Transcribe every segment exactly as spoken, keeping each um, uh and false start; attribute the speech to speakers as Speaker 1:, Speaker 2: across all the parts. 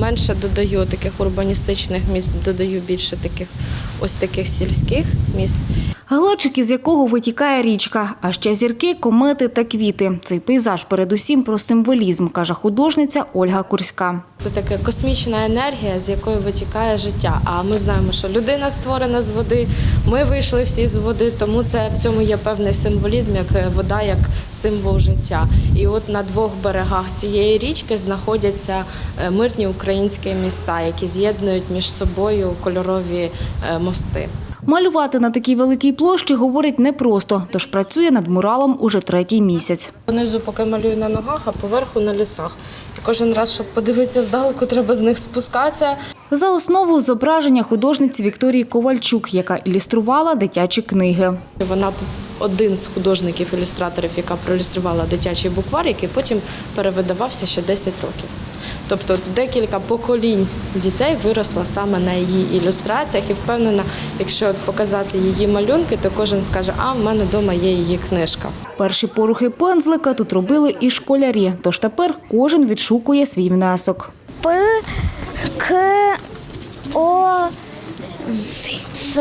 Speaker 1: менше додаю таких урбаністичних міст, додаю більше таких ось таких сільських міст.
Speaker 2: Глечик, із якого витікає річка, а ще зірки, комети та квіти. Цей пейзаж передусім про символізм, каже художниця Ольга Курська.
Speaker 1: Це така космічна енергія, з якої витікає життя. А ми знаємо, що людина створена з води, ми вийшли всі з води, тому це в цьому є певний символізм, як вода, як символ життя. І от на двох берегах цієї річки знаходяться мирні українські міста, які з'єднують між собою кольорові мости.
Speaker 2: Малювати на такій великій площі, говорить, непросто, тож працює над муралом уже третій місяць.
Speaker 1: Понизу поки малюю на ногах, а поверху на лісах. І кожен раз, щоб подивитися здалеку, треба з них спускатися.
Speaker 2: За основу зображення художниці Вікторії Ковальчук, яка ілюструвала дитячі книги.
Speaker 1: Вона один з художників-ілюстраторів, яка проілюструвала дитячий буквар, який потім перевидавався ще десять років. Тобто декілька поколінь дітей виросло саме на її ілюстраціях. І впевнена, якщо показати її малюнки, то кожен скаже, а в мене вдома є її книжка.
Speaker 2: Перші порухи пензлика тут робили і школярі, тож тепер кожен відшукує свій внесок.
Speaker 3: П, К, О, С,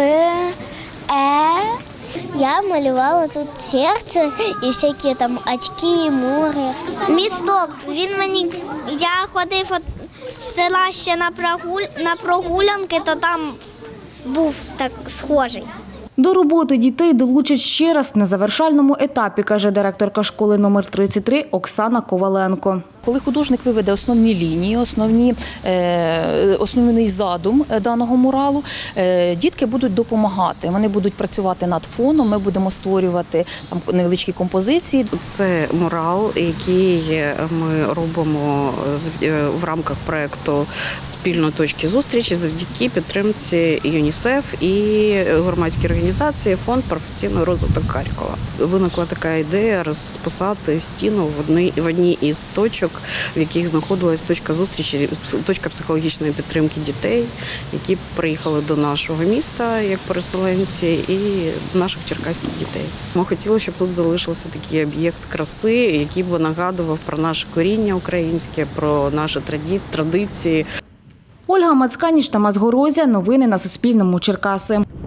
Speaker 3: Е. Я малювала тут серце і всякі там очки, море. Місток, він мені, я ходив від села ще на, прогуль, на прогулянки, то там був так схожий.
Speaker 2: До роботи дітей долучать ще раз на завершальному етапі, каже директорка школи номер тридцять три Оксана Коваленко.
Speaker 4: Коли художник виведе основні лінії, основні, е, основний задум даного муралу, е, дітки будуть допомагати. Вони будуть працювати над фоном, ми будемо створювати там невеличкі композиції.
Speaker 5: Це мурал, який ми робимо в рамках проєкту «Спільно точки зустрічі» завдяки підтримці ЮНІСЕФ і громадській організації «Фонд професійний розвиток Харкова». Виникла така ідея розписати стіну в одній, в одній із точок, в яких знаходилась точка зустрічі, точка психологічної підтримки дітей, які приїхали до нашого міста як переселенці, і наших черкаських дітей. Ми хотіли, щоб тут залишився такий об'єкт краси, який би нагадував про наше коріння українське, про наші традиції.
Speaker 2: Ольга Мацканіч, Тамас Горозія. Новини на Суспільному. Черкаси.